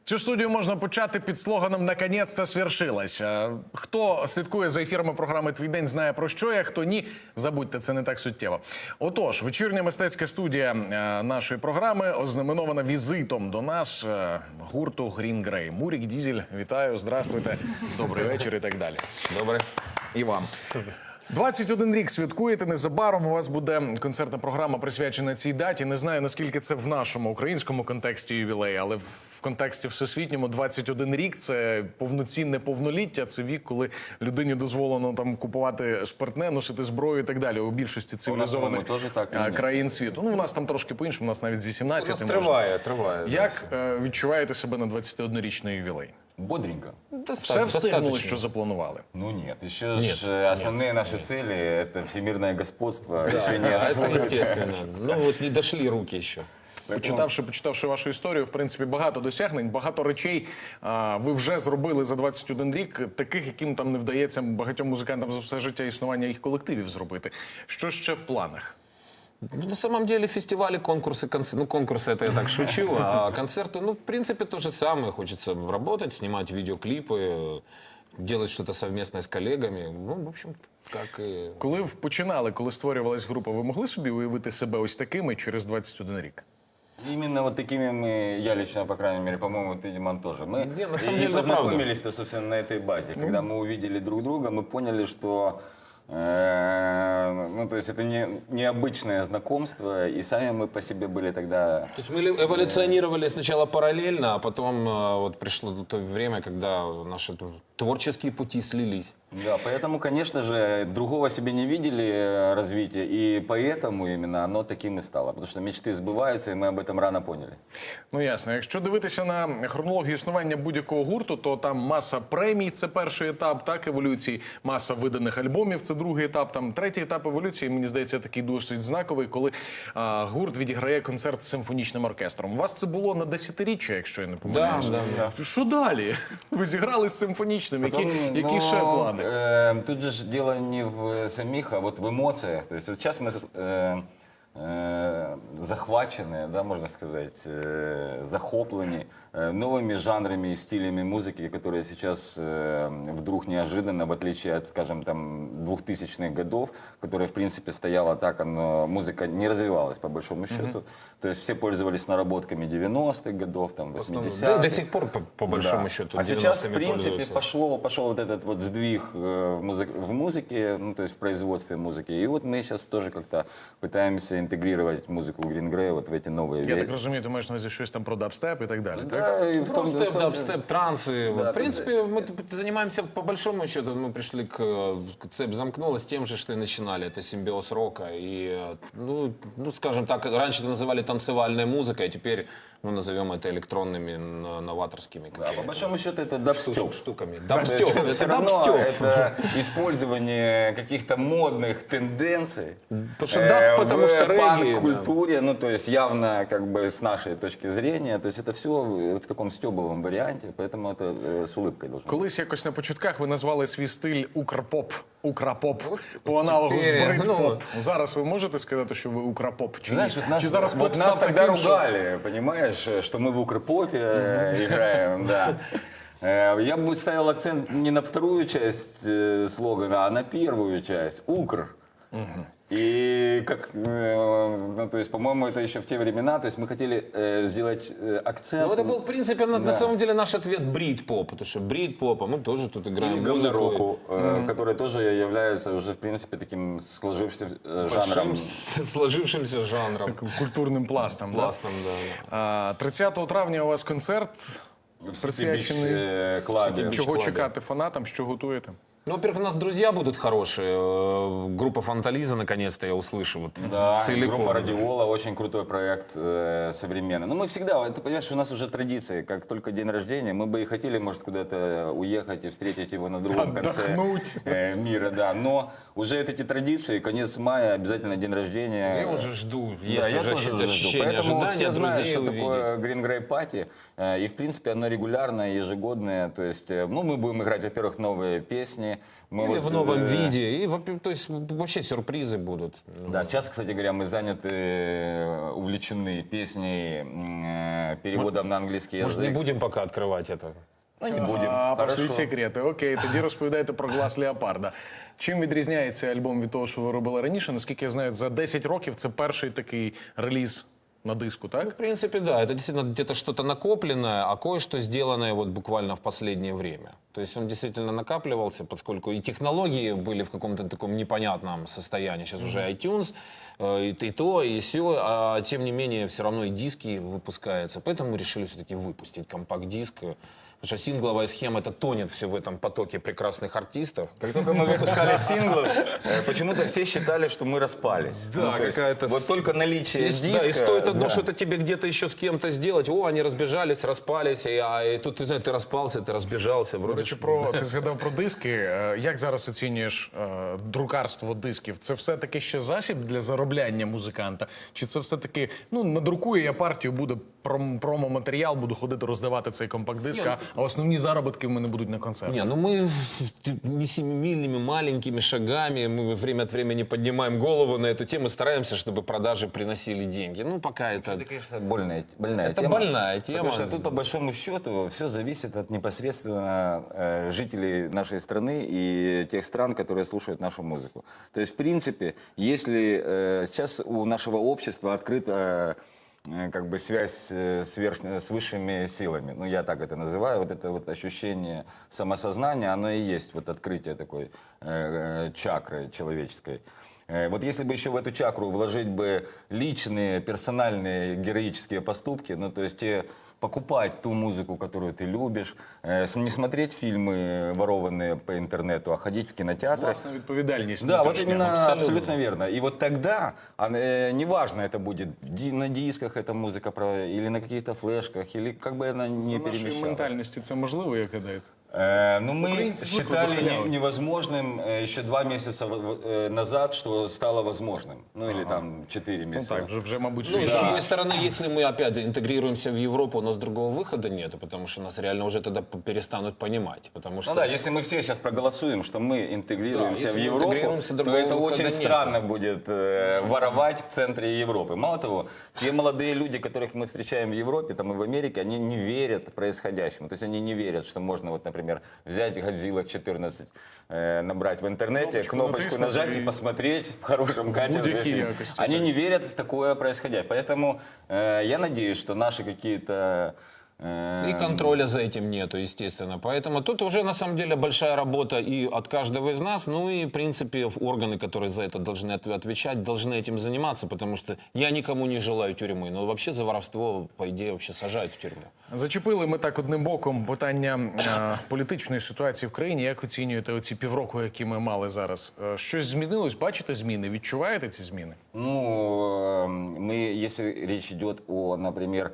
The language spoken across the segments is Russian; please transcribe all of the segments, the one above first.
Цю студію можна почати під слоганом «Наконець-то свершилось». Хто слідкує за ефірами програми «Твій день» знає про що я, хто ні, забудьте, це не так суттєво. Отож, вечірня мистецька студія нашої програми ознаменована візитом до нас гурту Green Grey. Мурік, Дізель, вітаю, здравствуйте, добрий вечір і так далі. Добре. І вам. 21 рік святкуєте, незабаром у вас буде концертна програма присвячена цій даті. Не знаю, наскільки це в нашому українському контексті ювілей, але в контексті всесвітньому 21 рік – це повноцінне повноліття, це вік, коли людині дозволено там купувати спиртне, носити зброю і так далі. У більшості цивілізованих країн світу. Ну, у нас там трошки по-іншому, у нас навіть з 18 можна. Триває. Як відчуваєте себе на 21-річний ювілей? Бодренько. Все встигнули, що запланували? Ну нет, еще же основные наши цели – это всемирное господство, еще не Это освоено. естественно. Ну вот не дошли руки ще. Почитавши вашу історію, в принципі, багато досягнень, багато речей ви вже зробили за 21 рік, таких, яким там не вдається багатьом музикантам за все життя існування їх колективів зробити. Що ще в планах? На самом деле фестивали, конкурсы, ну конкурсы это я так шучу, а концерты, ну в принципе то же самое. Хочется работать, снимать видеоклипы, делать что-то совместное с коллегами. Ну, в общем, как и... Коли ви починали, коли створювалась група, ви могли собі уявити себе ось такими через 21 рік? Именно вот такими мы, я лично, по крайней мере, по-моему, ты, Диман, тоже. Мы на самом деле, познакомились-то, собственно, на этой базе. Когда мы увидели друг друга, мы поняли, что ну, то есть это необычное знакомство, и сами мы по себе были тогда... То есть мы эволюционировали сначала параллельно, а потом вот пришло то время, когда наши творческие пути слились. Да, поэтому, конечно же, другого себе не видели развития, и поэтому именно оно таким и стало. Потому что мечты сбываются, и мы об этом рано поняли. Ну, ясно. Якщо дивитися на хронологію існування будь-якого гурту, то там маса премій – це перший етап, так, еволюції, маса виданих альбомів – це другий етап, там третій етап еволюції, мені здається, такий досить знаковий, коли гурт відіграє концерт з симфонічним оркестром. У вас це було на 10-річчя, якщо я не помиляюсь. Да. Що далі? Ви зіграли з симфонічним, які ще плани? Тут же дело не в самих, а вот в эмоциях. То есть вот сейчас мы захвачены, да, можно сказать, захоплены новыми жанрами и стилями музыки, которые сейчас вдруг неожиданно, в отличие от, скажем, там, 2000-х годов, которая, в принципе, стояла так, но музыка не развивалась, по большому счету. То есть все пользовались наработками 90-х годов, там, 80-х. До сих пор, по большому счету, А сейчас, в 90-ми принципе, пользуются. пошел вот этот вот сдвиг в музыке, ну, то есть в производстве музыки. И вот мы сейчас тоже как-то пытаемся интегрировать музыку Green Grey вот в эти новые Я так розумію, ти маєш на увазі щось там про дабстеп і так далі, так? Да, и в том, Степ, в том- дабстеп, трансы. Да, В принципе, мы занимаемся, по большому счету, мы пришли цепь замкнулась тем же, что и начинали. Это симбиоз рока. И, ну, скажем так, раньше это называли танцевальной музыкой, а теперь, ну, назовем это электронными, новаторскими Да, по большому счету это дабстеп. штуками. То есть Дабстеп. все Это равно дабстеп. это использование каких-то модных тенденций Потому что даб, потому что в регги, панк-культуре, ну то есть явно как бы с нашей точки зрения, то есть это все в таком стебовом варианте, поэтому это с улыбкой должно быть. Колись якось на початках ви назвали свій стиль укрпоп, украпоп, по аналогу з теперь, брит-поп. Зараз ви можете сказати, що ви украпоп? Чи, Знаешь, вот нас, чи зараз вот поп нас став тогда таким, що... ругали, понимаешь, что мы в укрпопе играем, да. Я бы ставил акцент не на вторую часть слогана, а на первую часть. Укр. И как, ну, то есть, по-моему, это еще в те времена, то есть мы хотели сделать акцент. Ну, это был, в принципе, на самом деле наш ответ брит-поп, потому что брит-поп, а мы тоже тут играем музыку. говнороку, который тоже является уже, в принципе, таким сложившимся жанром. Сложившимся жанром. Культурним пластом. Пластом, да. 30 травня у вас концерт, присвячений клабе. чого клабі. чекати фанатам, що готуєте? Ну, во-первых, у нас друзья будут хорошие. Группа Фантализа, наконец-то, я услышу. Вот, Да, целиком. группа Радиола, очень крутой проект современный. Но мы всегда, это, понимаешь, у нас уже традиции, как только день рождения, мы бы и хотели, может, куда-то уехать и встретить его на другом Отдохнуть. конце мира, да. Но уже эти традиции, конец мая, обязательно день рождения. Я уже жду. Да, Есть я уже тоже жду. ощущение Поэтому ожидания все знают, друзей что увидеть. такое Green Grey Party. И, в принципе, оно регулярное, ежегодное. То есть, ну, мы будем играть, во-первых, новые песни, Мы Или вот, в новом виде. И, то есть вообще сюрпризы будут. Да, сейчас, кстати говоря, мы заняты, увлечены песней, переводом на английский Может, не язык. будем пока открывать это? Ну, не будем. А, пошли Хорошо. секрети. Окей, тоді розповідайте про «Глас Леопарда». Чим відрізняється альбом від того, що ви робили раніше? Наскільки я знаю, за 10 років це перший такий реліз на диску, так? В принципе, да, это действительно где-то что-то накопленное, а кое-что сделанное вот буквально в последнее время. То есть он действительно накапливался, поскольку и технологии были в каком-то таком непонятном состоянии. Сейчас уже iTunes, и то, и сё, а тем не менее все равно и диски выпускаются. Поэтому мы решили все-таки выпустить компакт-диск. Потому что сингловая схема, это тонет все в этом потоке прекрасных артистов. Как только мы выпускали синглы, почему-то все считали, что мы распались. Да, Ну, то есть какая-то вот только наличие И, диска... да, и стоит одно да. что-то тебе где-то еще с кем-то сделать. О, они разбежались, распались, и тут, ты знаешь, ты распался, ты разбежался. До Вроде речі, ти згадав про диски. Як зараз оцінюєш друкарство дисків? Це все-таки ще засіб для заробляння музиканта? Чи це все-таки, надрукую я партію, буде промо-матеріал, буду ходити роздавати цей компакт-диск, а основні заробітки в мене будуть на концерті? Не, ну мы не семимильными, маленькими шагами, мы время от времени поднимаем голову на эту тему, стараемся, чтобы продажи приносили деньги. Ну, пока это... Это, конечно, больная Это тема. больная тема. Потому что тут, по большому счету, все зависит от непосредственно жителей нашей страны и тех стран, которые слушают нашу музыку. То есть, в принципе, если сейчас у нашего общества открыта как бы связь с высшими силами, ну я так это называю, вот это вот ощущение самосознания, оно и есть вот открытие такой чакры человеческой. Вот если бы еще в эту чакру вложить бы личные, персональные, героические поступки, ну то есть покупать ту музыку, которую ты любишь, не смотреть фильмы, ворованные по интернету, а ходить в кинотеатры. Власна відповідальність. Да, вот внутрішня. именно абсолютно. абсолютно верно. И вот тогда, неважно, это будет на дисках эта музыка или на каких-то флешках, или как бы она не За нашої перемещалась. ментальності це можливо, як гадаєте? Ну, мы Украинцы звыкли считали до халявы. невозможным еще 2 месяца назад, что стало возможным. Ну, или там 4 Ну месяца. так, вже мабуть, Ну, що с другой стороны, если мы опять интегрируемся в Европу, у нас другого выхода нет, потому что нас реально уже тогда перестанут понимать. Потому что... Ну да, если мы все сейчас проголосуем, что мы интегрируемся Да, в если мы Европу, интегрируемся, то другого это выхода очень нет. странно будет воровать в центре Европы. Мало того, те молодые люди, которых мы встречаем в Европе, там и в Америке, они не верят происходящему. То есть они не верят, что можно, вот, например, взять Godzilla 14, набрать в интернете, кнопочку нажать и посмотреть в хорошем качестве. будь-якій фильм. якості, Они так. не верят в такое происходящее. Поэтому я надеюсь, что наши какие-то... И контроля за этим нету, естественно. Поэтому тут уже на самом деле большая работа и от каждого из нас, ну и в принципе органы, которые за это должны отвечать, должны этим заниматься, потому что я никому не желаю тюрьмы, но вообще за воровство, по идее, вообще сажают в тюрьму. Зачепили ми так одним боком питання політичної ситуації в країні. Як оцінюєте оці півроку, які ми мали зараз? Щось змінилось? Бачите зміни? Відчуваєте ці зміни? Ну, мы, если речь идет о, например,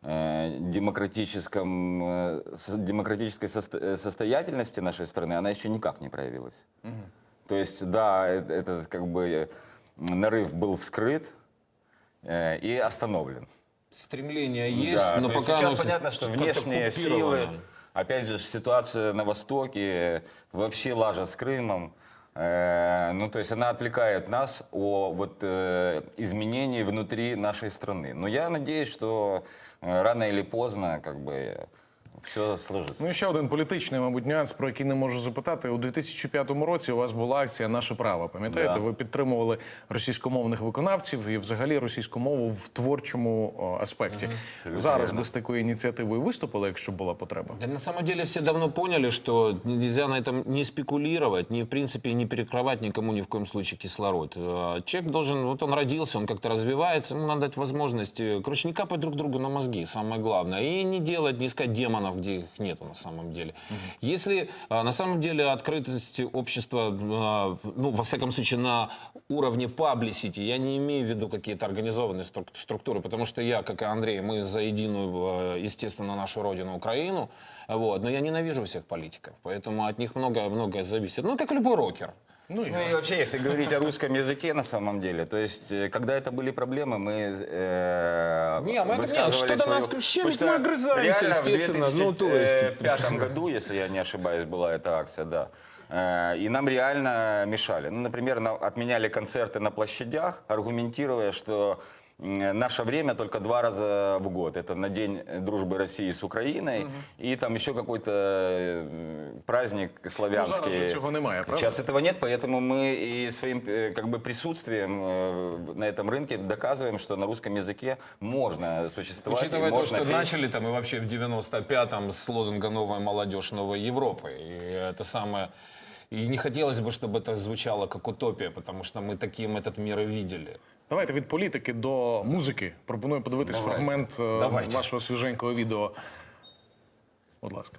демократической состоятельности нашей страны, она еще никак не проявилась. То есть, да, этот как бы нарыв был вскрыт и остановлен. Стремление есть, Да, но то есть пока сейчас оно понятно, что как-то внешние купировано. силы, опять же, ситуация на Востоке, вообще лажа с Крымом, ну, то есть она отвлекает нас от изменений внутри нашей страны. Но я надеюсь, что рано или поздно, как бы, все сложится. Ну і ще один політичний, мабуть, нюанс, про який не можу запитати. У 2005 році у вас була акція «Наше право». Пам'ятаєте? Да. Ви підтримували російськомовних виконавців і взагалі російську мову в творчому аспекті. Зараз вірно. би з такою ініціативою виступили, якщо була потреба? Да, на самом деле все давно поняли, что нельзя на этом не спекулировать, ни в принципе не перекрывать никому ни в коем случае кислород. Человек должен, вот он родился, он как-то развивается, ему надо дать возможность, короче, не капать друг другу на мозги, самое главное, и не делать, не искать демонов, где их нету на самом деле. Если на самом деле открытость общества, ну, во всяком случае, на уровне publicity, я не имею в виду какие-то организованные структуры, потому что я, как и Андрей, мы за единую, естественно, нашу родину Украину, вот, но я ненавижу всех политиков, поэтому от них многое зависит. Ну, как любой рокер. Ну, і Ну и вообще, если говорить о русском языке на самом деле, то есть, когда это были проблемы, мы Не, мы это высказывали что до нас свою- вообще Потому ведь что мы огрызаемся, реально в естественно, ну, то есть... 2005 году, если я не ошибаюсь, была эта акция, да. И нам реально мешали. Ну, например, отменяли концерты на площадях, аргументируя, что наше время только 2 раза в год. Это на День дружбы России с Украиной и там еще какой-то праздник славянский. Ну, зараз цього немає, правда? Сейчас этого нет, поэтому мы и своим как бы присутствием на этом рынке доказываем, что на русском языке можно существовать. и Учитывая то, можно что петь. начали там и вообще в 95-м с лозунга «Новая молодежь новой Европы». И это самое... И не хотелось бы, чтобы это звучало как утопия, потому что мы таким этот мир и видели. Давайте від політики до музики. Пропоную подивитись Давайте. фрагмент Давайте. вашого свіженького відео. Будь ласка.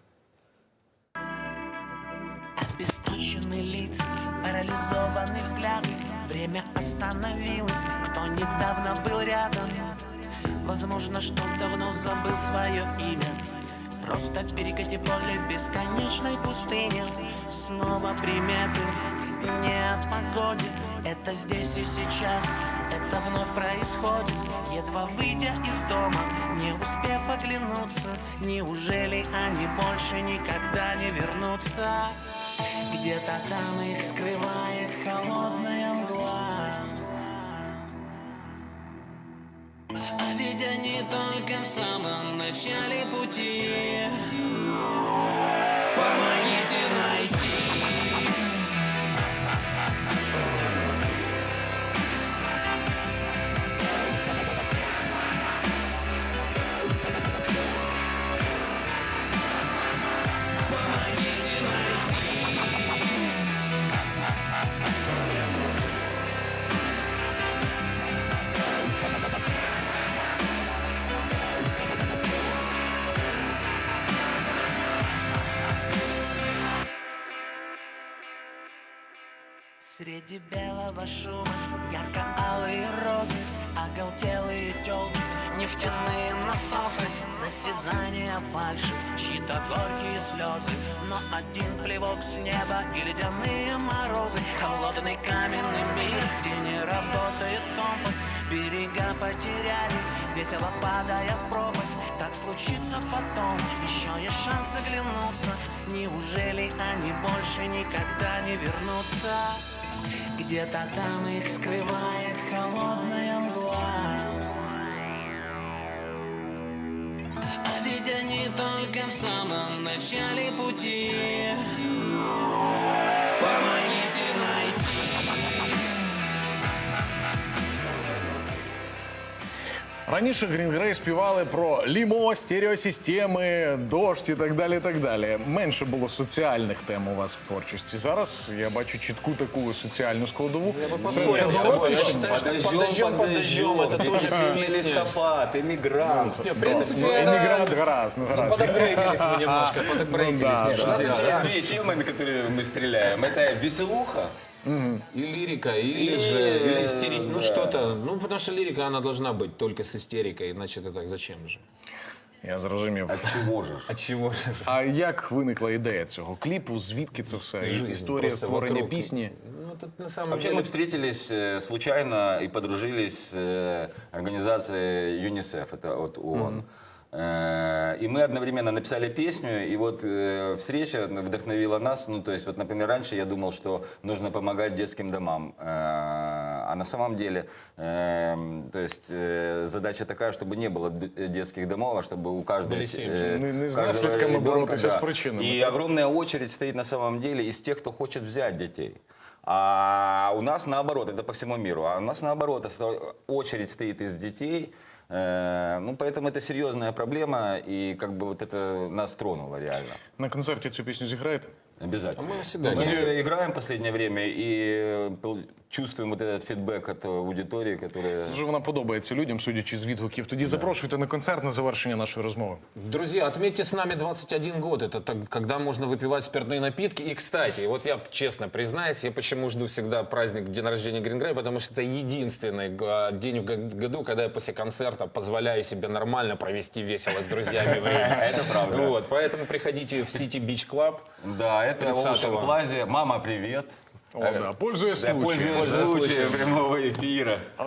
Обесточены лица, парализованный взгляд. Время остановилось, кто недавно был рядом. Возможно, что давно забыл свое имя. Просто перекати поле в бесконечной пустыне. Снова приметы, не о погоде. Это здесь и сейчас, это вновь происходит. Едва выйдя из дома, не успев оглянуться. Неужели они больше никогда не вернутся? Где-то там их скрывает холодная мгла. А ведь они только в самом начале пути. Помогите найти. Помогите найти. Среди белого шума ярко-алые розы, оголтелые тёлки, нефтяные насосы, состязания фальши, чьи-то горькие слезы. Но один плевок с неба и ледяные морозы, холодный каменный мир, где не работает компас. Берега потеряли, весело падая в пропасть. Так случится потом, еще есть шанс оглянуться. Неужели они больше никогда не вернутся? Где-то там их скрывает холодная мгла. А ведь они только в самом начале пути. Помогите найти. Раніше Green Grey співали про лімо, стереосистеми, дощ і так далі, і так далі. Менше було соціальних тем у вас в творчості. Зараз я бачу чітку таку соціальну складову. поспорил с тобой. Я считаю, что подождем, это тоже песня. Листопад, эмигрант. Не, в принципе, Іммігрант гаразд, ну гаразд. подапгрейдились мы немножко, подапгрейдились да, У нас немножко. вообще есть 2 темы, на которые мы стреляем. Это веселуха. И лирика, или же или истерика, ну что-то. Ну, потому что лирика, она должна быть только с истерикой, иначе это так, зачем же? Я зрозумів. От чего же? От чего же? А як виникла ідея цього кліпу? Звідки це все? Історія Просто створення вокруг. пісні? Ну, тут на самом Вообще деле... мы встретились случайно и подружились с организацией ЮНИСЕФ, это от ООН. И мы одновременно написали песню, и вот встреча вдохновила нас. Ну, то есть, вот, например, раньше я думал, что нужно помогать детским домам. А на самом деле, то есть, задача такая, чтобы не было детских домов, а чтобы у каждого... Были семьи. Не з каждого наслідками ребенка, боротися да. з причинами. И огромная очередь стоит на самом деле из тех, кто хочет взять детей. А у нас наоборот, это по всему миру, а у нас наоборот, очередь стоит из детей. Ну, поэтому это серьезная проблема, и как бы вот это нас тронуло реально. На концерті цю пісню зіграєте? Обязательно. Мы всегда Мы играем в последнее время и чувствуем вот этот фидбэк от аудитории, которая... Дуже вона подобається людям, судячи з відгуків. Тоді запрошуйте на концерт на завершення нашої розмови. Друзья, отметьте с нами 21 год. Это когда можно выпивать спиртные напитки. И, кстати, вот я честно признаюсь, я почему жду всегда праздник день рождения Green Grey, потому что это единственный день в году, когда я после концерта позволяю себе нормально провести весело с друзьями время. Это правда. Вот, поэтому приходите в City Beach Club. Да, это 30-го. Ocean Plaza. Мама, привет. О, да. Пользуясь Да, случаєм. пользуясь случаем прямого эфира.